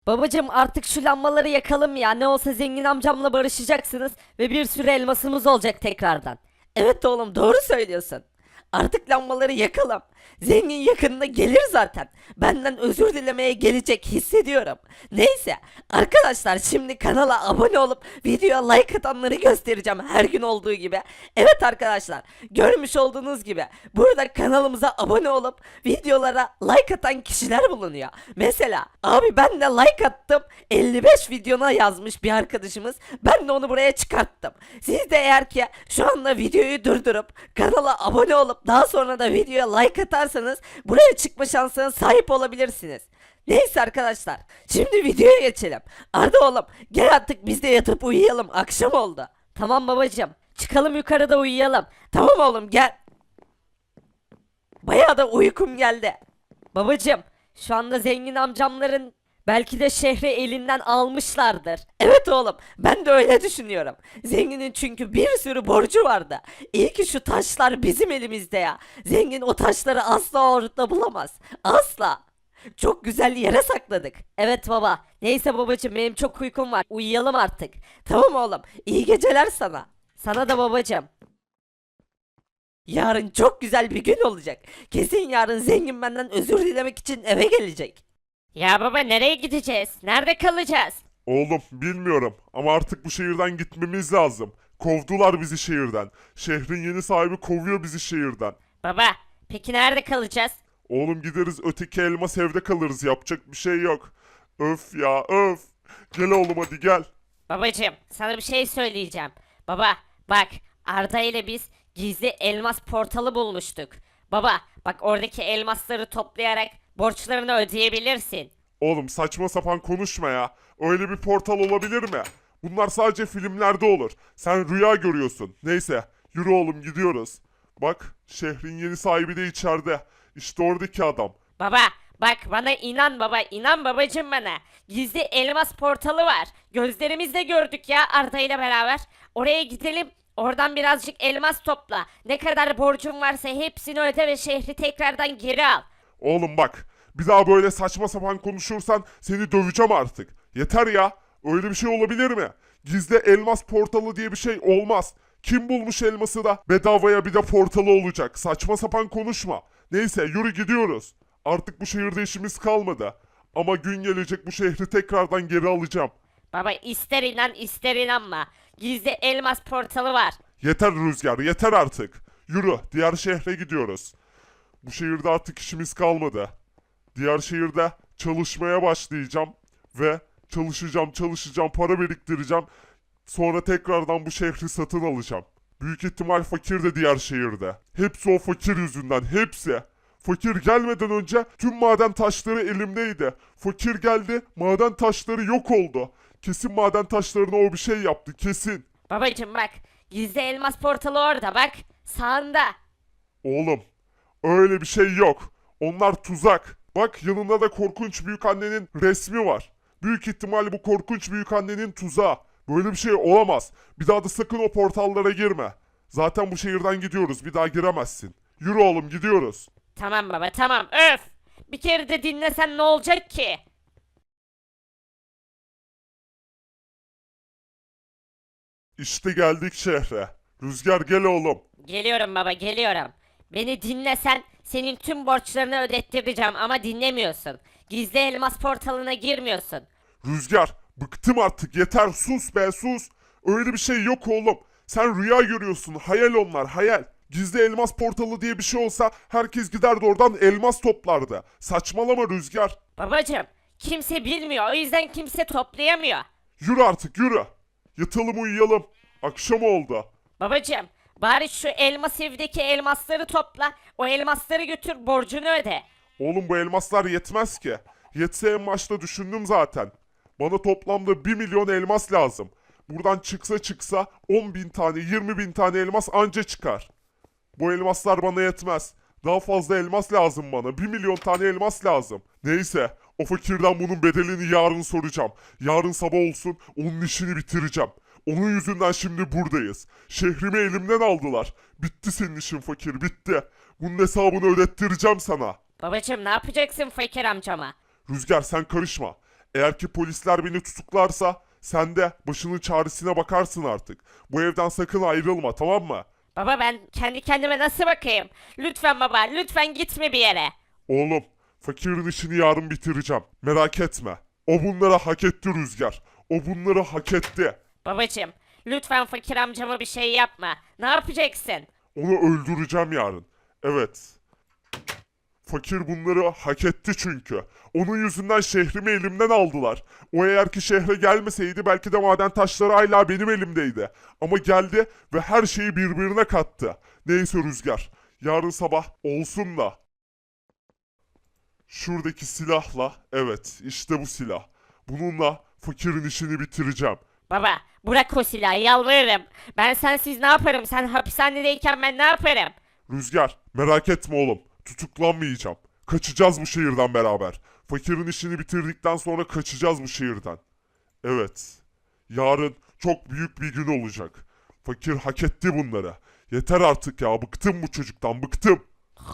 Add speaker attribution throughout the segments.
Speaker 1: Babacım artık şu lambaları yakalım ya. Ne olsa zengin amcamla barışacaksınız ve bir sürü elmasımız olacak tekrardan. Evet oğlum doğru söylüyorsun. Artık lambaları yakalım. Zengin yakında gelir zaten. Benden özür dilemeye gelecek hissediyorum. Neyse arkadaşlar şimdi kanala abone olup videoya like atanları göstereceğim her gün olduğu gibi. Evet arkadaşlar görmüş olduğunuz gibi burada kanalımıza abone olup videolara like atan kişiler bulunuyor. Mesela abi ben de like attım 55 videona yazmış bir arkadaşımız. Ben de onu buraya çıkarttım. Siz de eğer ki şu anda videoyu durdurup kanala abone olup daha sonra da videoya like atarsanız buraya çıkma şansına sahip olabilirsiniz. Neyse arkadaşlar şimdi videoya geçelim. Arda oğlum gel artık biz de yatıp uyuyalım akşam oldu. Tamam babacığım çıkalım yukarıda uyuyalım. Tamam oğlum gel. Bayağı da uykum geldi. Babacım, şu anda zengin amcamların belki de şehri elinden almışlardır. Evet oğlum, ben de öyle düşünüyorum. Zenginin çünkü bir sürü borcu vardı. İyi ki şu taşlar bizim elimizde ya. Zengin o taşları asla orada bulamaz. Asla. Çok güzel yere sakladık. Evet baba. Neyse babacım benim çok uykum var. Uyuyalım artık. Tamam oğlum. İyi geceler sana. Sana da babacım. Yarın çok güzel bir gün olacak. Kesin yarın zengin benden özür dilemek için eve gelecek.
Speaker 2: Ya baba nereye gideceğiz? Nerede kalacağız?
Speaker 3: Oğlum bilmiyorum ama artık bu şehirden gitmemiz lazım. Kovdular bizi şehirden. Şehrin yeni sahibi kovuyor bizi şehirden.
Speaker 2: Baba peki nerede kalacağız?
Speaker 3: Oğlum gideriz öteki elmas evde kalırız, yapacak bir şey yok. Öf ya öf. Gel oğlum hadi gel.
Speaker 2: Babacığım sana bir şey söyleyeceğim. Baba bak Arda ile biz gizli elmas portalı bulmuştuk. Baba bak oradaki elmasları toplayarak borçlarını ödeyebilirsin.
Speaker 3: Oğlum saçma sapan konuşma ya. Öyle bir portal olabilir mi? Bunlar sadece filmlerde olur. Sen rüya görüyorsun. Neyse yürü oğlum gidiyoruz. Bak şehrin yeni sahibi de içeride. İşte oradaki adam.
Speaker 2: Baba bak bana inan baba inan babacığım bana. Gizli elmas portalı var. Gözlerimizle gördük ya Arda ile beraber. Oraya gidelim. Oradan birazcık elmas topla. Ne kadar borcun varsa hepsini öde ve şehri tekrardan geri al.
Speaker 3: Oğlum bak, bir daha böyle saçma sapan konuşursan seni döveceğim artık. Yeter ya. Öyle bir şey olabilir mi? Gizli elmas portalı diye bir şey olmaz. Kim bulmuş elması da bedavaya bir de portalı olacak. Saçma sapan konuşma. Neyse yürü gidiyoruz. Artık bu şehirde işimiz kalmadı. Ama gün gelecek bu şehri tekrardan geri alacağım.
Speaker 2: Baba ister inan ister inanma. Gizli elmas portalı var.
Speaker 3: Yeter Rüzgar, yeter artık. Yürü, diğer şehre gidiyoruz. Bu şehirde artık işimiz kalmadı. Diğer şehirde çalışmaya başlayacağım ve çalışacağım, para biriktireceğim. Sonra tekrardan bu şehri satın alacağım. Büyük ihtimal fakir de diğer şehirde. Hepsi o fakir yüzünden, hepsi. Fakir gelmeden önce tüm maden taşları elimdeydi. Fakir geldi, maden taşları yok oldu. Kesin maden taşlarına o bir şey yaptı, kesin.
Speaker 2: Babacım bak gizli elmas portalı orada bak. Sağında.
Speaker 3: Oğlum, öyle bir şey yok. Onlar tuzak. Bak yanında da korkunç büyük annenin resmi var. Büyük ihtimal bu korkunç büyük annenin tuzağı. Böyle bir şey olamaz. Bir daha da sakın o portallara girme. Zaten bu şehirden gidiyoruz. Bir daha giremezsin. Yürü oğlum gidiyoruz.
Speaker 2: Tamam baba tamam öf. Bir kere de dinlesen ne olacak ki?
Speaker 3: İşte geldik şehre. Rüzgar gel oğlum.
Speaker 2: Geliyorum baba geliyorum. Beni dinlesen senin tüm borçlarını ödettireceğim ama dinlemiyorsun. Gizli elmas portalına girmiyorsun.
Speaker 3: Rüzgar bıktım artık, yeter, sus be sus. Öyle bir şey yok oğlum. Sen rüya görüyorsun, hayal onlar, hayal. Gizli elmas portalı diye bir şey olsa herkes giderdi oradan elmas toplardı. Saçmalama Rüzgar.
Speaker 2: Babacım kimse bilmiyor o yüzden kimse toplayamıyor.
Speaker 3: Yürü artık yürü. Yatalım uyuyalım. Akşam oldu.
Speaker 2: Babacım bari şu elmas evdeki elmasları topla. O elmasları götür borcunu öde.
Speaker 3: Oğlum bu elmaslar yetmez ki. Yetse en başta düşündüm zaten. Bana toplamda 1 milyon elmas lazım. Buradan çıksa 10 bin tane 20 bin tane elmas anca çıkar. Bu elmaslar bana yetmez. Daha fazla elmas lazım bana. 1 milyon tane elmas lazım. Neyse o fakirden bunun bedelini yarın soracağım. Yarın sabah olsun onun işini bitireceğim. Onun yüzünden şimdi buradayız. Şehrimi elimden aldılar. Bitti senin işin fakir, bitti. Bunun hesabını ödettireceğim sana.
Speaker 2: Babacım ne yapacaksın fakir amcama?
Speaker 3: Rüzgar sen karışma. Eğer ki polisler beni tutuklarsa sen de başının çaresine bakarsın artık. Bu evden sakın ayrılma, tamam mı?
Speaker 2: Baba ben kendi kendime nasıl bakayım? Lütfen baba, lütfen gitme bir yere.
Speaker 3: Oğlum, fakirin işini yarın bitireceğim. Merak etme. O bunları hak etti Rüzgar. O bunları hak etti.
Speaker 2: Babacım, lütfen fakir amcama bir şey yapma. Ne yapacaksın?
Speaker 3: Onu öldüreceğim yarın. Evet. Fakir bunları hak etti çünkü. Onun yüzünden şehrimi elimden aldılar. O eğer ki şehre gelmeseydi belki de maden taşları hala benim elimdeydi. Ama geldi ve her şeyi birbirine kattı. Neyse Rüzgar. Yarın sabah olsun da. Şuradaki silahla, evet işte bu silah. Bununla fakirin işini bitireceğim.
Speaker 2: Baba, bırak o silahı yalvarırım. Ben sensiz ne yaparım? Sen hapishanedeyken ben ne yaparım?
Speaker 3: Rüzgar, merak etme oğlum. Tutuklanmayacağım. Kaçacağız bu şehirden beraber. Fakirin işini bitirdikten sonra kaçacağız bu şehirden. Evet. Yarın çok büyük bir gün olacak. Fakir hak etti bunları. Yeter artık ya. Bıktım bu çocuktan. Bıktım.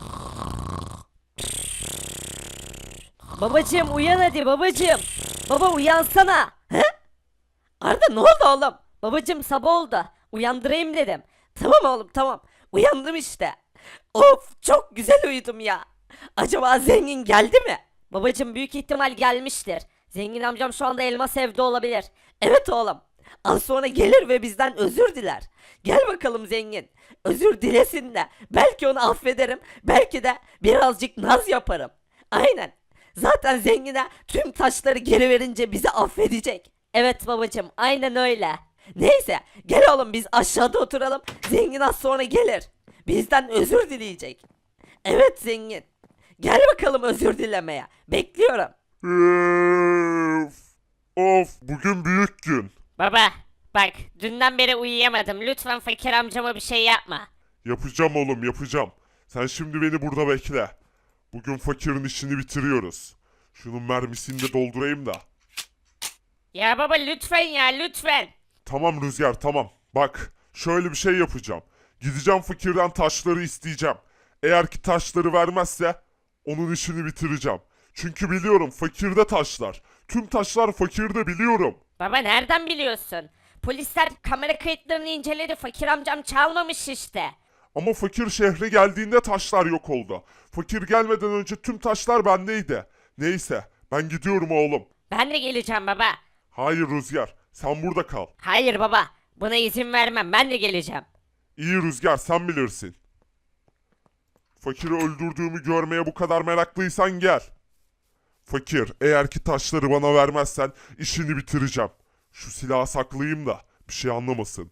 Speaker 1: Babacım uyan hadi babacım. Baba uyansana. He? Arda ne oldu oğlum? Babacım sabah oldu. Uyandırayım dedim. Tamam oğlum tamam. Uyandım işte. Of çok güzel uyudum ya. Acaba zengin geldi mi? Babacım büyük ihtimal gelmiştir. Zengin amcam şu anda elmas evde olabilir. Evet oğlum. Az sonra gelir ve bizden özür diler. Gel bakalım zengin. Özür dilesin de belki onu affederim. Belki de birazcık naz yaparım. Aynen. Zaten zengine tüm taşları geri verince bizi affedecek. Evet babacım aynen öyle. Neyse gel oğlum biz aşağıda oturalım. Zengin az sonra gelir. Bizden özür dileyecek. Evet zengin. Gel bakalım özür dilemeye. Bekliyorum.
Speaker 3: Of. Of. Bugün büyük gün.
Speaker 2: Baba, bak dünden beri uyuyamadım. Lütfen fakir amcama bir şey yapma.
Speaker 3: Yapacağım oğlum yapacağım. Sen şimdi beni burada bekle. Bugün fakirin işini bitiriyoruz. Şunun mermisini de doldurayım da.
Speaker 2: Ya baba lütfen ya lütfen.
Speaker 3: Tamam Rüzgar tamam. Bak şöyle bir şey yapacağım. Gideceğim fakirden taşları isteyeceğim. Eğer ki taşları vermezse onun işini bitireceğim. Çünkü biliyorum fakirde taşlar. Tüm taşlar fakirde biliyorum.
Speaker 2: Baba nereden biliyorsun? Polisler kamera kayıtlarını inceledi. Fakir amcam çalmamış işte.
Speaker 3: Ama fakir şehre geldiğinde taşlar yok oldu. Fakir gelmeden önce tüm taşlar bendeydi. Neyse ben gidiyorum oğlum.
Speaker 2: Ben de geleceğim baba.
Speaker 3: Hayır Rüzgar sen burada kal.
Speaker 2: Hayır baba. Buna izin vermem. Ben de geleceğim.
Speaker 3: İyi Rüzgar sen bilirsin. Fakiri öldürdüğümü görmeye bu kadar meraklıysan gel. Fakir eğer ki taşları bana vermezsen işini bitireceğim. Şu silahı saklayayım da bir şey anlamasın.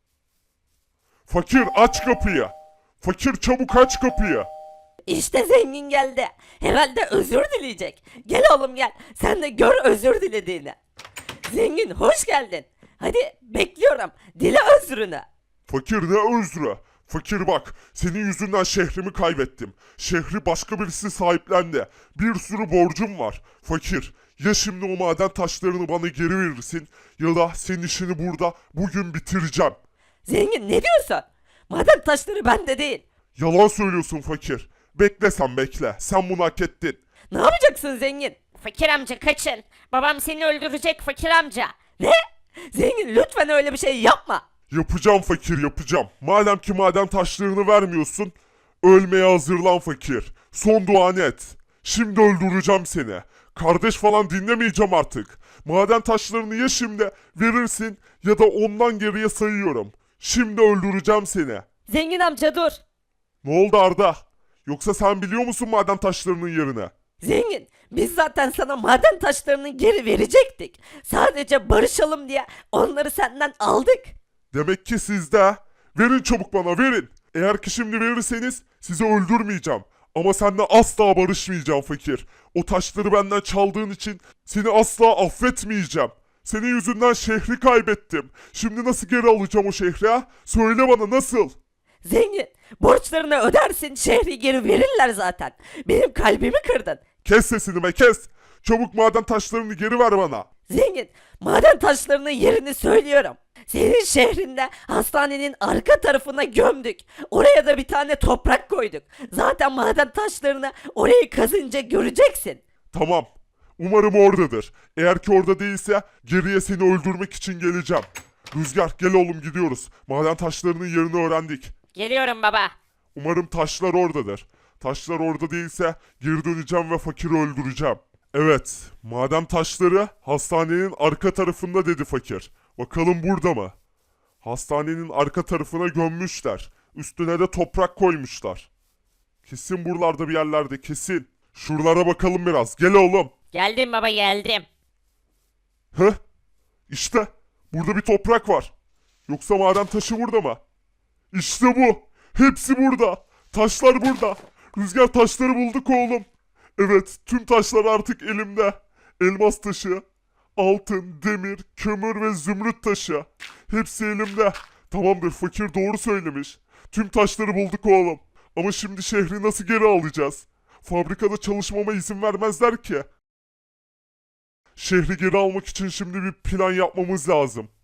Speaker 3: Fakir aç kapıyı. Fakir çabuk aç kapıyı.
Speaker 1: İşte zengin geldi. Herhalde özür dileyecek. Gel oğlum gel. Sen de gör özür dilediğini. Zengin hoş geldin. Hadi bekliyorum. Dile özrünü.
Speaker 3: Fakir ne özrü? Fakir bak, senin yüzünden şehrimi kaybettim. Şehri başka birisi sahiplendi. Bir sürü borcum var. Fakir, ya şimdi o maden taşlarını bana geri verirsin ya da senin işini burada bugün bitireceğim.
Speaker 1: Zengin ne diyorsun? Maden taşları bende değil.
Speaker 3: Yalan söylüyorsun fakir. Bekle sen bekle. Sen bunu hak ettin.
Speaker 1: Ne yapacaksın zengin?
Speaker 2: Fakir amca kaçın. Babam seni öldürecek fakir amca.
Speaker 1: Ne? Zengin lütfen öyle bir şey yapma.
Speaker 3: Yapacağım fakir yapacağım. Madem ki maden taşlarını vermiyorsun, ölmeye hazırlan fakir. Son duan et. Şimdi öldüreceğim seni. Kardeş falan dinlemeyeceğim artık. Maden taşlarını ya şimdi verirsin ya da ondan geriye sayıyorum. Şimdi öldüreceğim seni.
Speaker 1: Zengin amca dur.
Speaker 3: Ne oldu Arda? Yoksa sen biliyor musun maden taşlarının yerini?
Speaker 1: Zengin biz zaten sana maden taşlarını geri verecektik. Sadece barışalım diye onları senden aldık.
Speaker 3: Demek ki sizde. Verin çabuk bana verin. Eğer ki şimdi verirseniz sizi öldürmeyeceğim. Ama seninle asla barışmayacağım fakir. O taşları benden çaldığın için seni asla affetmeyeceğim. Senin yüzünden şehri kaybettim. Şimdi nasıl geri alacağım o şehri ha? Söyle bana nasıl?
Speaker 1: Zengin borçlarını ödersin şehri geri verirler zaten. Benim kalbimi kırdın.
Speaker 3: Kes sesini be kes. Çabuk maden taşlarını geri ver bana.
Speaker 1: Zengin maden taşlarının yerini söylüyorum. Senin şehrinde hastanenin arka tarafına gömdük. Oraya da bir tane toprak koyduk. Zaten maden taşlarını orayı kazınca göreceksin.
Speaker 3: Tamam. Umarım oradadır. Eğer ki orada değilse geriye seni öldürmek için geleceğim. Rüzgar gel oğlum gidiyoruz. Maden taşlarının yerini öğrendik.
Speaker 2: Geliyorum baba.
Speaker 3: Umarım taşlar oradadır. Taşlar orada değilse geri döneceğim ve fakiri öldüreceğim. Evet, maden taşları hastanenin arka tarafında dedi fakir. Bakalım burada mı? Hastanenin arka tarafına gömmüşler. Üstüne de toprak koymuşlar. Kesin buralarda bir yerlerde kesin. Şuralara bakalım biraz. Gel oğlum.
Speaker 2: Geldim baba geldim.
Speaker 3: Heh. İşte burada bir toprak var. Yoksa maden taşı burada mı? İşte bu. Hepsi burada. Taşlar burada. Rüzgar taşları bulduk oğlum. Evet, tüm taşlar artık elimde. Elmas taşı, altın, demir, kömür ve zümrüt taşı. Hepsi elimde. Tamamdır, fakir doğru söylemiş. Tüm taşları bulduk oğlum. Ama şimdi şehri nasıl geri alacağız? Fabrikada çalışmama izin vermezler ki. Şehri geri almak için şimdi bir plan yapmamız lazım.